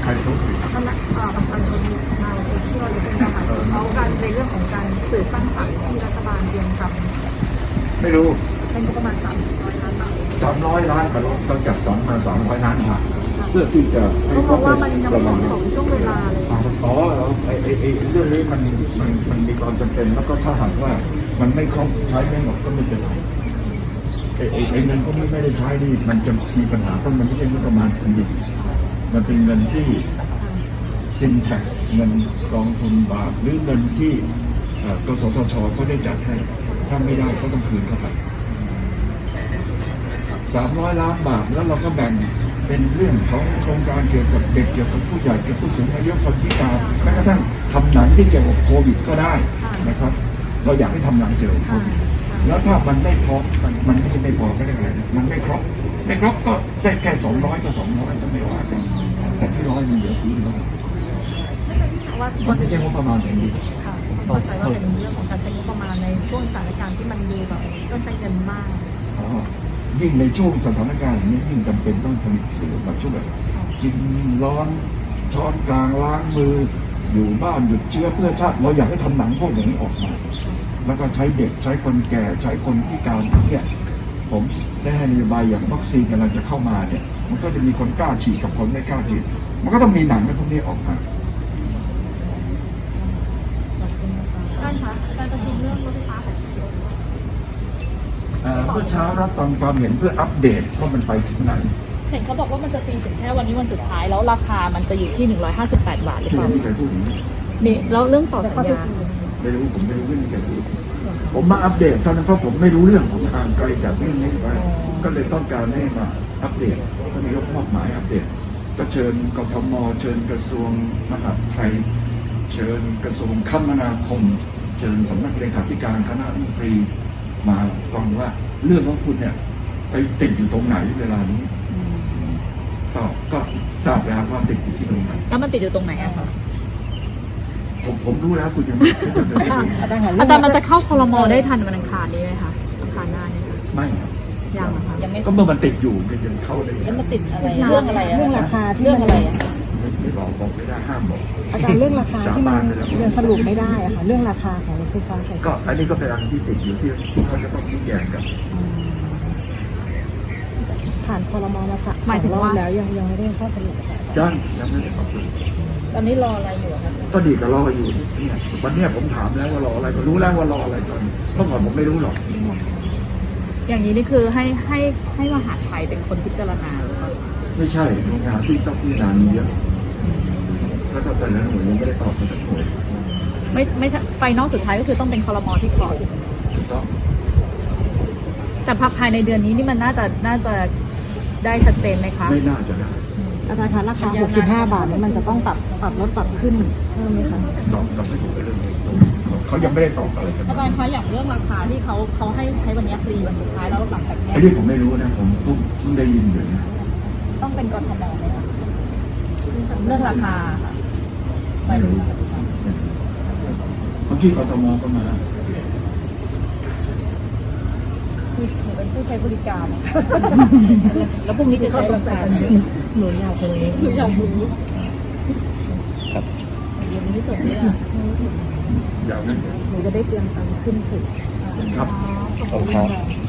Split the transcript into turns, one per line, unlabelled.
รเขาผิด
ประชาชนชาวโซเชียลหรือเป็นทหารเขากันในเรื่องของการสื่อสร้างสรรค์ที่รัฐบาลเตรียมทำ
ไม่รู้
เป็นประมาณ300 ล้านบาท
300 ล้านก็ต้องจัดสรรมา300 ล้านบาทเพื่อที่จะ
เขาบอกว่ามันยังไม่เหมาะสมช่วงเวลาเลย
อ๋อไอ้เรื่องนี้มันมีความจำเป็นแล้วก็ถ้าหากว่ามันไม่ครบใช้ไม่หมดก็ไม่เป็นไรไอ้เงินพวกนี้ไม่ได้ใช้นี่มันจะมีปัญหาเพราะมันไม่ใช่งบประมาณแผ่นดินมันเป็นเงินที่ซินแท็กเงินกองทุนบาทหรือเงินที่กสทชเขาได้จัดให้ถ้าไม่ได้ก็ต้องคืนเข้าไป300 ล้านบาทแล้วเราก็แบ่งเป็นเรื่องของโครงการเกี่ยวกับเด็กเกี่ยวกับผู้ใหญ่เกี่ยวกับผู้สูงอายุคนพิการแม้กระทั่งทำหนังที่เกี่ยวกับโควิดก็ได้นะครับเราอยากให้ทำหนังเกี่ยวกับโควิดแล้วถ้ามันไม่พอมันไม่พอก็ได้อะไรมันไม่ครบก็ได้แค่200ก็200ก็ไม่ว่ากันแต่ที่100มันเหลือที่100มันไม่ใช่งบประมาณแผ่นดิน
ค่ะเข้าใจว่าเป็นเรื่องของการใช้งบประมาณในช่วงสถานการณ์ที่มันดูแบบต้องใช้เงินมาก
ยิ่งในช่วงสถานการณ์นี้ยิ่งจำเป็นต้องผลิตสื่อมาช่วยกินร้อนช้อนกลางล้างมืออยู่บ้านหยุดเชื้อเพื่อชาติเราอยากให้ทำหนังพวกอย่างนี้ออกมาแล้วก็ใช้เด็กใช้คนแก่ใช้คนพิการเนี่ยผมได้ให้นโยบายอย่างวัคซีนกำลังจะเข้ามาเนี่ยมันก็จะมีคนกล้าฉีดกับคนไม่กล้าฉีดมันก็ต้องมีหนังพวกนี้ออกมา
ท่านคะการประชุมเรื่องรถไฟฟ้าของ
เมื่อเช้ารับฟังความเห็นเพื่ออัปเดตว่ามันไปถึงไหน
เห็นเขาบอกว่ามันจะตีถึงแค่วันนี้วันสุดท้ายแล้วราคามันจะอยู่ที่158 บาทหรือเปล่า
ไม่มีใครพูดอย่างนี้
นี่แล้วเรื่องต่อสัญญา
ไม่รู้ผมไม่รู้ไม่มีใครพูดผมมาอัปเดตเท่านั้นเพราะผมไม่รู้เรื่องผมห่างไกลจากเรื่องนี้ไปก็เลยต้องการให้มาอัปเดตท่านนายกมอบหมายอัปเดตก็เชิญกทมเชิญกระทรวงมหาดไทยเชิญกระทรวงคมนาคมเชิญสำนักเลขาธิการคณะรัฐมนตรีมาฟังว่าเรื่องของคุณเนี่ยไปติดอยู่ตรงไหนเวลานี้ก็ทราบแล้วว่าติดอยู่ที่ตรงไหน
แล้วมันติดอยู่ตรงไหนอะคะ
ผมรู้แล้วคุณยังไม่ได้
อาจารย์มันจะเข้าครม.ได้ทันวันอังคารนี้ไหมคะอังคารหน้านี้
ไม่ครับ
ยังนะคะ
ก็เมื่อมันติดอยู่ก็ยังเข้าได้
แล้วมันติดอะไรเรื่องอะไร
เรื่องราคา
เรื่องอะไร
ไม่บอกไม่ได้ห้ามบอก
อาจารย์เรื่องราคาที่มันยังสรุปไม่ได้อะค่ะเรื่องราคาของรถไฟฟ้าสาย
ก็อันนี้ก็เป็นอันที่ติดอยู่ที่เขาจะต้องชี้แจงกัน
ผ่านครม.มาสัก2 รอบแล้วยังไม่ได้ข้อสรุป
ยังไม่ได้ข้อสรุป
ตอนนี้รออะไรอยู่ครับ
ก็ดีกับรออยู่เนี่ยวันนี้ผมถามแล้วว่ารออะไรก็รู้แล้วว่ารออะไรตอนเมื่อก่อนผมไม่รู้หรอก
อย่างนี้นี่คือให้มหาไทยเป็นคนพิจารณาหรือเปล่า
ไม่ใช่โรงงานที่ต้องพิจารณามีเยอะแล้วก็แต่ละหน่วยยังไม่ได้ตอบมาสักหน่วย
ไม่ใช่ไฟนอลสุดท้ายก็คือต้องเป็นครม.ที่ขอ
ถูกต้อง
แต่ภายในเดือนนี้นี่มันน่าจะได้ชัดเจนไหมคะ
ไม่น่าจะได้
อาจารย์คะราคา65 บาทนี่มันจะต้องปรับลดปรับขึ้นเพิ่มไหมคะ
ตอบไม่ถูกเรื่องนี้เขายังไม่ได้ตอบอะไรกัน
อาจารย์คะอย่างเรื่องราคาที่เขาให้ใช้วันนี้ฟรีวันสุดท้ายแล้วหลังจากนี้
ไอ้ที่ผมไม่รู้นะผมเพิ่งได้ยินอยู่นะ
ต้องเป็นกทมไหมคะเรื่องราคา
ไม่รู้เมื่อกี้กทมก็มา
เป็นผู้ใช้บริการแล้วพรุ่งนี้จะใช้บริการ
หนูอยากรู้
ครับ
ยังไม่จบเนี่ย
อยากนั้น
หนูจะได้เตรียมตังค์ขึ้นถึง
ครับ